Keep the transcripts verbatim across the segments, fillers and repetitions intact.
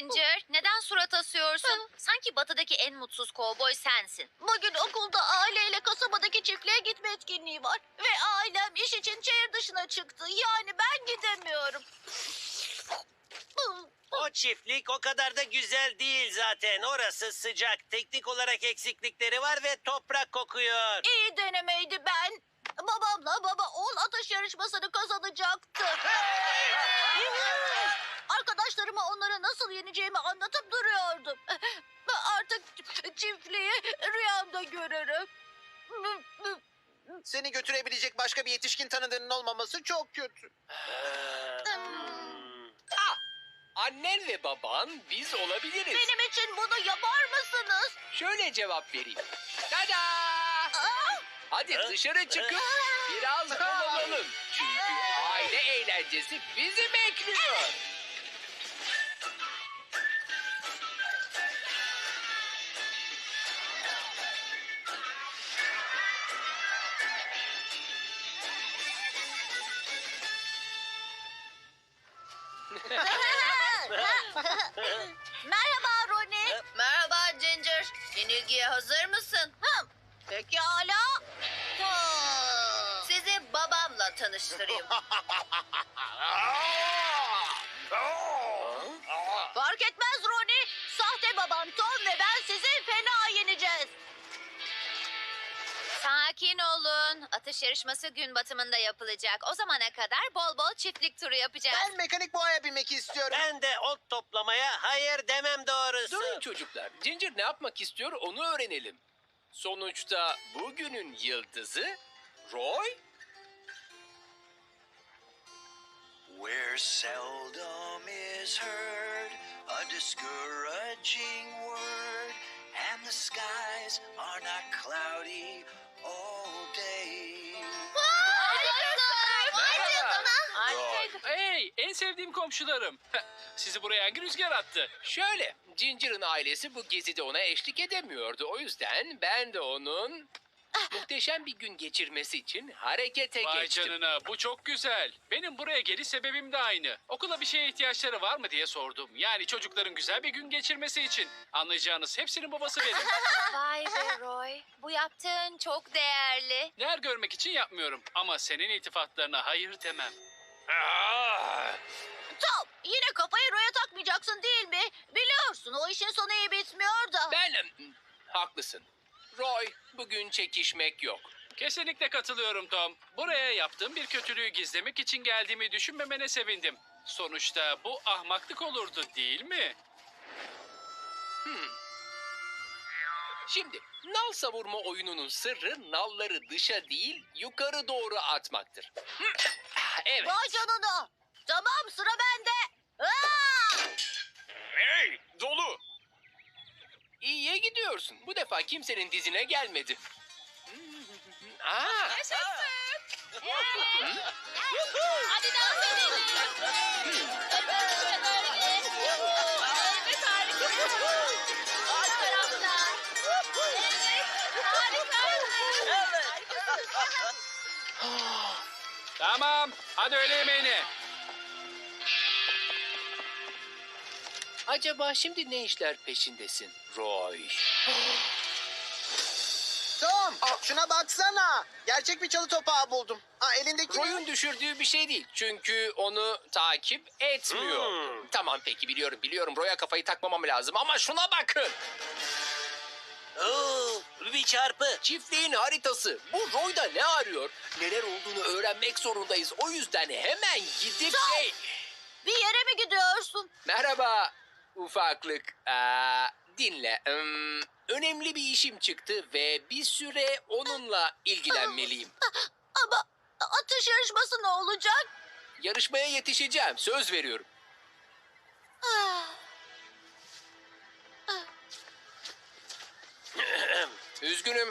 Ginger, neden surat asıyorsun? Sanki batıdaki en mutsuz kovboy sensin. Bugün okulda aileyle kasabadaki çiftliğe gitme etkinliği var. Ve ailem iş için şehir dışına çıktı. Yani ben gidemiyorum. O çiftlik o kadar da güzel değil zaten. Orası sıcak. Teknik olarak eksiklikleri var ve toprak kokuyor. İyi denemeydi ben. Babamla baba oğul atış yarışmasını kazanacaktı. Arkadaşlarıma onları nasıl yeneceğimi anlatıp duruyordum. Artık çiftliği rüyamda görürüm. Seni götürebilecek başka bir yetişkin tanıdığının olmaması çok kötü. Ah! Annen ve baban biz olabiliriz. Benim için bunu yapar mısınız? Şöyle cevap vereyim. Tada! Aa! Hadi dışarı çıkıp biraz dolanalım. Çünkü aile eğlencesi bizi bekliyor. Merhaba Ronnie. Merhaba Ginger. Yenilgiye hazır mısın? Hı, pekala. Sizi babamla tanıştırayım. Fark etmez Ronnie. Sahte babam Tom ve ben sizi fena yeneceğiz. Sakin olun. Atış yarışması gün batımında yapılacak. O zamana kadar bol bol çiftlik turu yapacağız. Ben mekanik boğaya binmek istiyorum. Ben de ot toplamaya hayır demem doğrusu. Durun çocuklar. Ginger ne yapmak istiyor onu öğrenelim. Sonuçta bugünün yıldızı Roy. Where seldom is heard a discouraging word, and the skies are not cloudy all day. Merhaba. Roy. Hey, en sevdiğim komşularım. Sizi buraya hangi rüzgar attı? Şöyle, Ginger'ın ailesi bu gezide ona eşlik edemiyordu. O yüzden ben de onun muhteşem bir gün geçirmesi için harekete Vay geçtim. canına, bu çok güzel. Benim buraya geliş sebebim de aynı. Okula bir şeye ihtiyaçları var mı diye sordum. Yani çocukların güzel bir gün geçirmesi için. Anlayacağınız hepsinin babası benim. Vay be Roy. Bu yaptığın çok değerli. Değer görmek için yapmıyorum. Ama senin iltifatlarına hayır demem. Ah! Tom yine kafayı Roy'a takmayacaksın değil mi? Biliyorsun o işin sonu iyi bitmiyor da. Ben... Haklısın. Roy, bugün çekişmek yok. Kesinlikle katılıyorum Tom. Buraya yaptığım bir kötülüğü gizlemek için geldiğimi düşünmemene sevindim. Sonuçta bu ahmaklık olurdu değil mi? Şimdi, nal savurma oyununun sırrı nalları dışa değil, yukarı doğru atmaktır. Hı, ah, Evet. Vay canına. Tamam sıra bende. Aa! Hey, dolu. İyiye gidiyorsun. Bu defa kimsenin dizine gelmedi. Aa, Hadi dans edelim. Evet harika. Alt tarafta. Evet harika. Tamam, hadi öğle yemeğine. acaba şimdi ne işler peşindesin, Roy? Tom, şuna baksana. Gerçek bir çalı topağı buldum. Aa, elindeki... Roy'un düşürdüğü bir şey değil. Çünkü onu takip etmiyor. Hmm. Tamam peki biliyorum biliyorum. Roy'a kafayı takmamam lazım ama şuna bakın. Oo, bir çarpı. Çiftliğin haritası. Bu Roy'da ne arıyor? Neler olduğunu öğrenmek zorundayız. O yüzden hemen gidip şey... Bir yere mi gidiyorsun? Merhaba ufaklık. Aa, dinle. Hmm, önemli bir işim çıktı ve bir süre onunla ilgilenmeliyim. Ama atış yarışması ne olacak? Yarışmaya yetişeceğim. Söz veriyorum. Ah, Üzgünüm.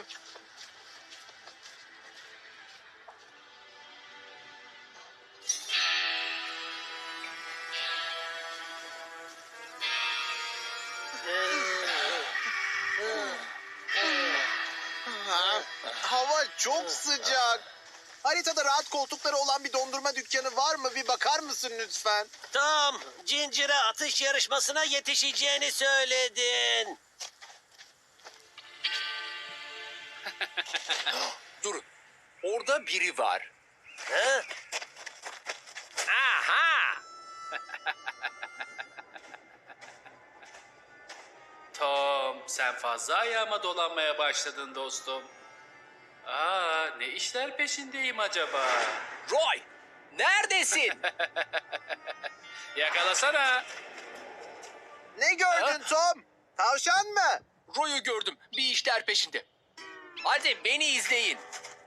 Ha, hava çok sıcak. Haritada rahat koltukları olan bir dondurma dükkanı var mı? Bir bakar mısın lütfen? Tom, Ginger'a atış yarışmasına yetişeceğini söyledin. Durun. Orada biri var. Ha? Aha! Tom, sen fazla ayağıma dolanmaya başladın dostum. Aa, ne işler peşindeyim acaba? Roy! Neredesin? Yakalasana. Ne gördün Tom? Tavşan mı? Roy'u gördüm. Bir işler peşinde. Hadi beni izleyin.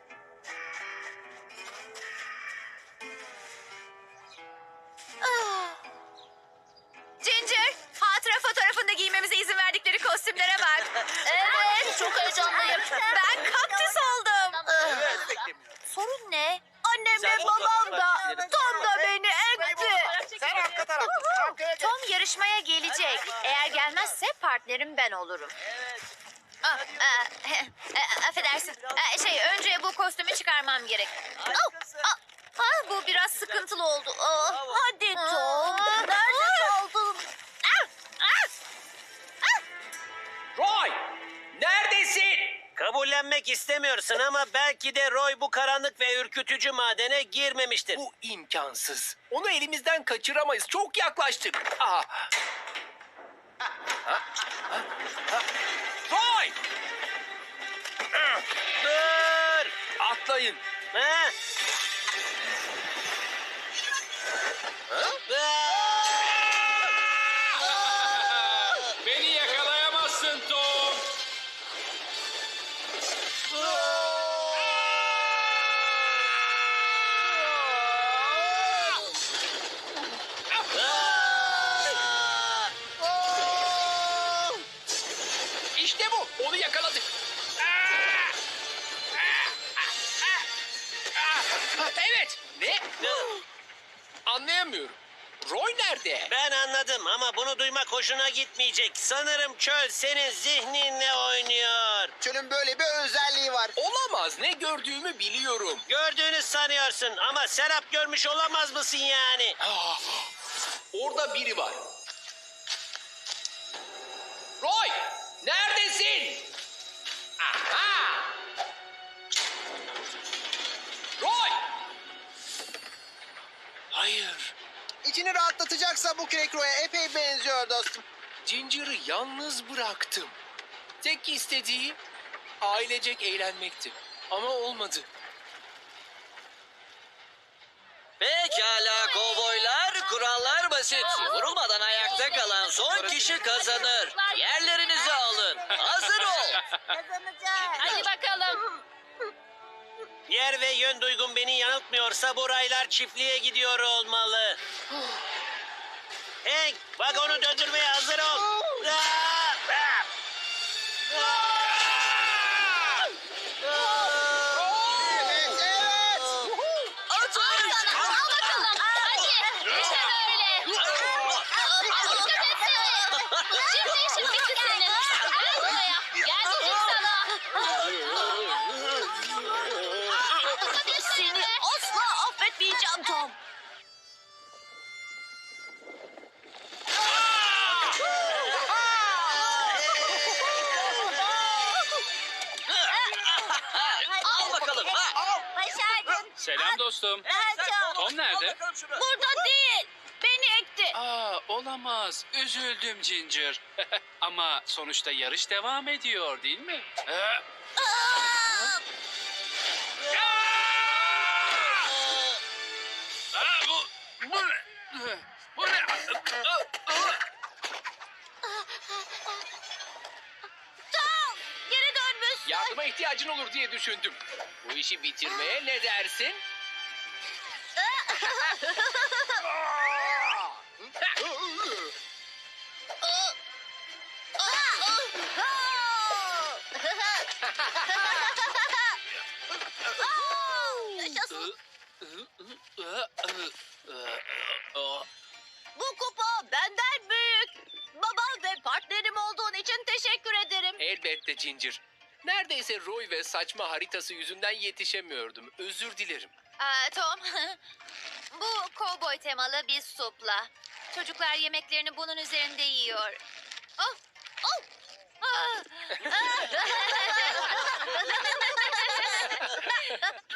Ginger, hatıra fotoğrafında giymemize izin verdikleri kostümlere bak. Evet, çok heyecanlıyım. Ben kaktüs oldum. Sorun ne? Annem ve babam da, Tom da beni ekti. Sen arka taraftasın. Arkaya geç. Tom yarışmaya gelecek. Eğer gelmezse partnerim ben olurum. Ah, ah, eh, affedersin. Ah, Şey, önce bu kostümü çıkarmam gerek. Oh, ah, ah, bu biraz sıkıntılı oldu. Oh. Hadi Tom, Aa. nerede kaldın? Ah, ah. Roy! Neredesin? Kabullenmek istemiyorsun ama belki de Roy bu karanlık ve ürkütücü madene girmemiştir. Bu imkansız. Onu elimizden kaçıramayız. Çok yaklaştık. Aa. Ha, ha, ha. Roy! Dur! Atlayın. Ha? Beni yakalayamazsın Tom. İşte bu. Onu yakaladık. Evet. Ne? Anlayamıyorum. Roy nerede? Ben anladım ama bunu duymak hoşuna gitmeyecek. Sanırım çöl senin zihninle oynuyor. Çölün böyle bir özelliği var. Olamaz. Ne gördüğümü biliyorum. Gördüğünü sanıyorsun ama Serap görmüş olamaz mısın yani? Ah, orada biri var. Roy! Neredesin? Aha! Roy! Hayır. İçini rahatlatacaksa bu Crack Roy'a epey benziyor dostum. Ginger'ı yalnız bıraktım. Tek istediği ailecek eğlenmekti. Ama olmadı. Pekala kovboylar, kurallar basit. Vurulmadan ayakta kalan son kişi kazanır. Yerlerinizi alın. Hazır ol. Kazanacağız. Hadi bakalım. Yer ve yön duygum beni yanıltmıyorsa bu raylar çiftliğe gidiyor olmalı. Hank, vagonu döndürmeye hazır ol. Aa! Aa! Evet, evet. Al bakalım. Hadi. İşte böyle. Dikkat etsene. Şimdi işin bitti senin. Gel buraya. Gel dedim sana. Seni asla affetmeyeceğim Tom. Al bakalım. Ha. Başardın. Selam dostum. Rahat ol. Tom nerede? Burada değil. Beni ekti. Aa, olamaz. Üzüldüm Ginger. Ama sonuçta yarış devam ediyor değil mi? Ee, Aa! Aa, bu, bu ne? Bu ne? Tom, geri dönmüşsün. Yardıma ihtiyacın olur diye düşündüm. Bu işi bitirmeye ne dersin? Yaşasın. Bu kupa benden büyük. Babam ve partnerim olduğun için teşekkür ederim. Elbette Ginger. Neredeyse Roy ve saçma haritası yüzünden yetişemiyordum. Özür dilerim. Aa, Tom, bu kovboy temalı bir supla. Çocuklar yemeklerini bunun üzerinde yiyor. Oh, oh. Ah.